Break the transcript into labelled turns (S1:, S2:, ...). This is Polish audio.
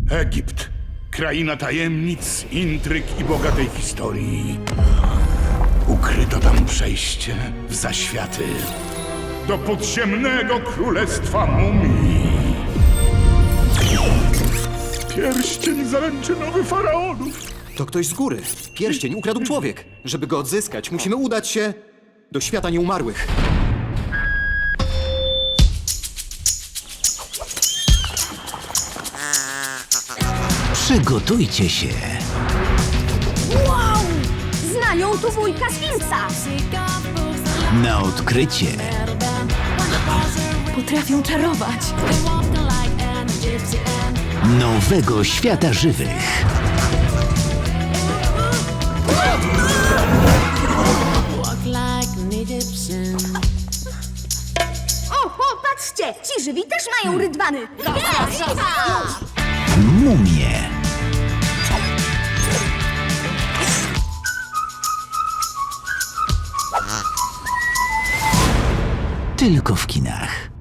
S1: Egipt. Kraina tajemnic, intryg i bogatej historii. Ukryto tam przejście w zaświaty do podziemnego królestwa mumii. Pierścień zaręczynowy faraonów.
S2: To ktoś z góry. Pierścień ukradł człowiek. Żeby go odzyskać, musimy udać się do świata nieumarłych.
S3: Przygotujcie się
S4: Wow! Znają tu wujka Sfinksa!
S3: na odkrycie
S4: Potrafią czarować!
S3: nowego świata żywych.
S4: O, patrzcie! Ci żywi też mają rydwany!
S3: Mumie. Tylko w kinach.